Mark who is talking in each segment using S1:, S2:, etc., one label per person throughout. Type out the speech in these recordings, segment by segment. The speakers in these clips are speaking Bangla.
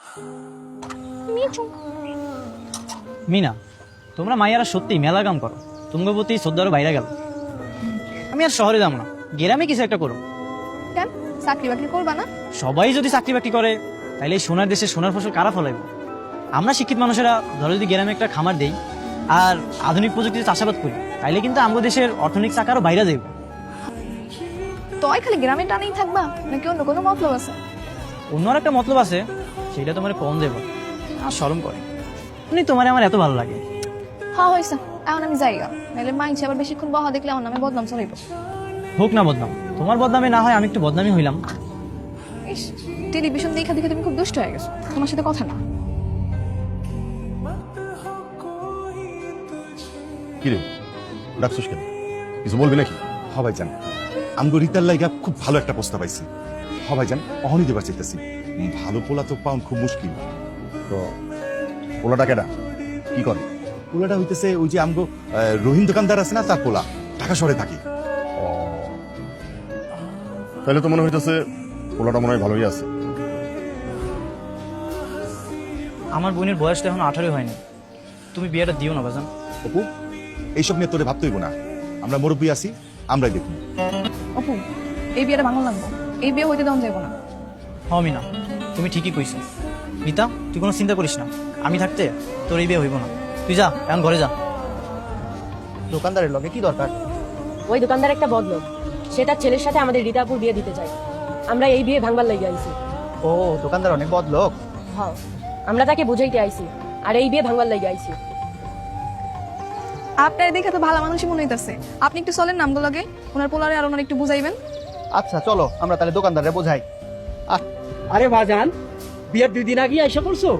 S1: মিনা, তোমরা মাইয়ারা সত্যি মেলা কাম করো, তোমার প্রতি শ্রদ্ধারও বাইরে গেল। আমি আর শহরে যাবো না, গ্রামে কিছু একটা করো।
S2: কেন চাকরি বাকরি করবা না?
S1: সবাই যদি চাকরি বাকরি করে তাহলে এই সোনার দেশে সোনার ফসল কারা ফলাইব? আমরা শিক্ষিত মানুষেরা ধরো যদি গ্রামে একটা খামার দেই আর আধুনিক প্রযুক্তিতে চাষাবাদ করি তাইলে কিন্তু আমাদের দেশের অর্থনৈতিক চাকারও বাইরে যাইব।
S2: তয় খালি গ্রামে টানেই থাকবা নাকি অন্য কোনো মতলব আছে?
S1: অন্য আর একটা মতলব আছে, সেটা তোমার কম দেব আর শরম করে। এমনি তোমার আমার এত ভালো লাগে।
S2: হ্যাঁ হয়েছে, এখন আমি যাই গা, নাহলে মাইনছে আবার বেশিক্ষণ বহা দেখলে আমার নামে বদনাম চলাইব।
S1: হোক না বদনাম, তোমার বদনামে না হয় আমি একটু বদনামই হইলাম।
S2: ইস, টেলিভিশন দেখা দেখে তুমি খুব দুষ্ট হয়ে গেছো, তোমার সাথে কথা না।
S3: কিরে ডাকছিস কেন? কিছু বলবি নাকি? হবাই জান, আমগো রিতার লাইগা খুব ভালো একটা প্রস্তাব পাইছি। হবাই জান অহনি দেবার চাইতেছি। ভালো পোলা তো পাউন খুব মুশকিল। তো পোলাটা কেডা কি করে? পোলাটা হইতেছে ওই যে আমগো রহিম দোকানদার আছে না, তার পোলা, ঢাকা শহরে থাকে। তাহলে তো মনে হইতেছে পোলাটা মনে হয় ভালোই আছে।
S1: আমার বোনের বয়স তো এখন 18 হয়নি, তুমি বিয়েটা দিও না বাজান।
S3: অপু, এইসব নিয়ে তোরে ভাবতে হইব না, আমরা মুরব্বী আছি, আমরাই দেখব।
S2: অপু, এই বিয়েটা ভাঙন লাগবো, এই বিয়ে হইতে দেওয়া যাবো না।
S1: মিনা, তুমি ঠিকই কইছো। মিতা, তুই কোনো চিন্তা করিস না, আমি থাকতে তোর এই বিয়ে হইব না। তুই যা, এখন ঘরে যা।
S4: দোকানদারের লগে কি দরকার?
S5: ওই দোকানদার একটা বদলোক, সে তার ছেলের সাথে আমাদের রীতাপুর বিয়ে দিতে চায়। আমরা এই বিয়ে ভাঙবার লাগি আইছি।
S4: ও, দোকানদার অনেক বদ লোক।
S5: হ্যাঁ, আমরা তাকে বুঝাইতে আইছি আর এই বিয়ে ভাঙবার লাগি আইছি।
S2: আপনার দেখে তো ভালো মানুষই মনে হইতাছে, আপনি একটু চলেন নামগুলো লগে, ওনার পোলারে আর ওনার একটু বুঝাইবেন।
S4: আচ্ছা চলো, আমরা তাহলে দোকানদারে বোঝাই।
S6: আরে বাজান, বিয়ের 2 দিন আগে এসে পড়ছো?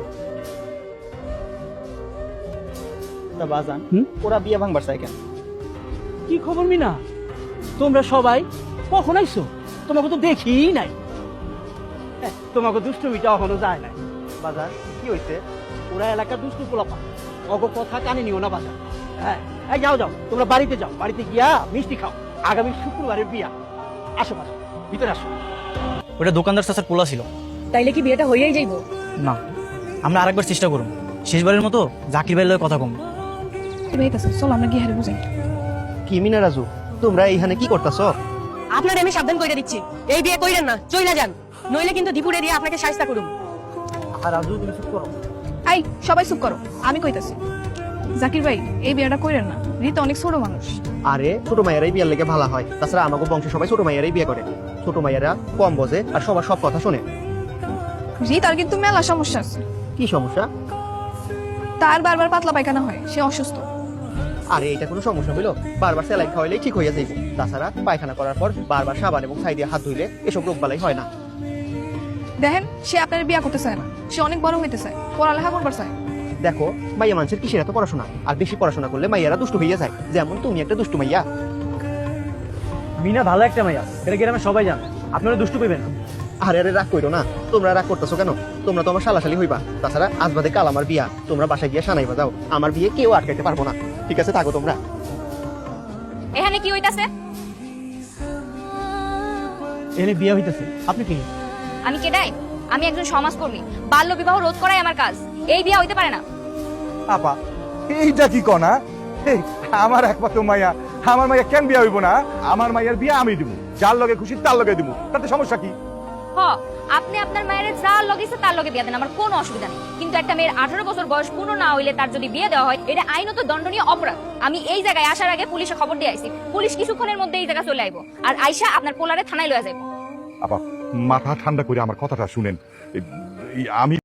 S4: বাজান, ওরা বিয়ে ভাঙবার চাই কেন?
S6: কি খবর মিনা? তোমরা সবাই কখন আইছো? তোমাকে তো দেখি নাই। তোমাকে দুষ্টুমিটা এখনো যায় নাই।
S4: বাজান কি হইছে?
S6: ওরা এলাকার দুষ্টু পোলাপা, অগ কথা কানে নিও না বাজান। হ্যাঁ, এই যাও যাও, তোমরা বাড়িতে যাও, বাড়িতে গিয়া মিষ্টি খাও। আগামী শুক্রবারের বিয়া। আসো বাজান, ভিতরে আসো।
S1: ওটা দোকানদার চাচার পোলা ছিল।
S5: তাইলে কি বিয়েটা হইয়াই যাইব?
S1: না, আমরা আরেকবার চেষ্টা করুন, শেষবারের মতো জাকির ভাইয়ের লগে কথা কম।
S2: হইতাছে, চলো আমরা গিয়ে হারে বুঝাই।
S4: কি মিনা রাজু, তোমরা এইখানে কি করতেছ?
S5: আপনার আমি সাবধান কইরা দিচ্ছি, এই বিয়ে কইরেন না, চইলা যান, নইলে কিন্তু দীপুরে দিয়ে আপনাকে শায়েস্তা করুম।
S4: আর রাজু তুমি চুপ করো।
S2: আই সবাই চুপ করো, আমি কইতাছি। জাকির ভাই, এই বিয়েটা কইরেন না, রীতা অনেক ছোট মানুষ।
S4: আরে ছোট মাইয়ারাই বিয়ের লেগে ভালো হয়, তাছাড়া আমাকে বংশে সবাই ছোট মাইয়ারাই বিয়ে করে। ছোট মাইয়ারা কম বোঝে আর সবার সব কথা শোনে।
S2: রীতার কিন্তু মেলা সমস্যা আছে।
S4: কি সমস্যা?
S2: তার বারবার পাতলা পায়খানা হয়, সে অসুস্থ।
S4: আরে এটা কোনো সমস্যা হইলো? বারবার স্যালাইন খাওয়াইলেই ঠিক হইয়া যাইব। তাছাড়া পায়খানা করার পর বারবার সাবান এবং ছাই দিয়ে হাত ধুইলে এসব রোগ বালাই হয় না।
S2: দেখেন, সে আপনার বিয়া করতে চায় না, সে অনেক বড় হইতে চায়, পড়ালেখা করবার চায়।
S4: দেখো, মাইয়া মানুষের কিসের এত পড়াশোনা? আর বেশি পড়াশোনা করলে মাইয়ারা দুষ্টু হইয়া যায়, যেমন তুমি একটা দুষ্টু মাইয়া।
S1: মিনা ভালো একটা মাইয়া, এটা গ্রামে সবাই জানে, আপনারা দুষ্টু কইবেন না।
S4: আরে আরে রাগ কইরো না, তোমরা রাগ করতেছো কেন? তোমরা তো আমার শালাশালি হইবা। তাছাড়া আজ বাদে কাল আমার বিয়া, তোমরা বাসায় গিয়ে সানাইবা যাও। আমার বিয়ে কেউ আটকাইতে পারবো না। ঠিক আছে, থাকো তোমরা।
S7: এখানে কি হইতাছে?
S1: এনে বিয়ে হইতেছে, আপনি কি?
S7: আমি কেডাই? আমি একজন সমাজকর্মী, বাল্য বিবাহ রোধ করাই আমার কাজ। এই বিয়ে হইতে পারে না।
S8: আপা, এইটা কি কনা? আমার একমাত্র মাইয়া, আমার মাইয়া কেন বিয়া হইব না? আমার মাইয়ার বিয়া আমি দিব, যার লগে খুশি তার লগে দিব, তাতে সমস্যা কি?
S7: হ, আপনি আপনার মায়ের যার লগেছে তার লগে বিয়ে দেন, আমার কোনো অসুবিধা নেই। কিন্তু একটা মেয়ের 18 বছর বয়স পূর্ণ না হইলে তার যদি বিয়ে দেওয়া হয়, এটা আইনত দণ্ডনীয় অপরাধ। আমি এই জায়গায় আসার আগে পুলিশে খবর দিয়ে আইছি, পুলিশ কিছুক্ষণের মধ্যে এই জায়গা চলে আইবো, আর আইসা আপনার পোলারে থানায় লয়ে যাইবো।
S8: আপা, মাথা ঠান্ডা করে আমার কথাটা শুনেন। আমি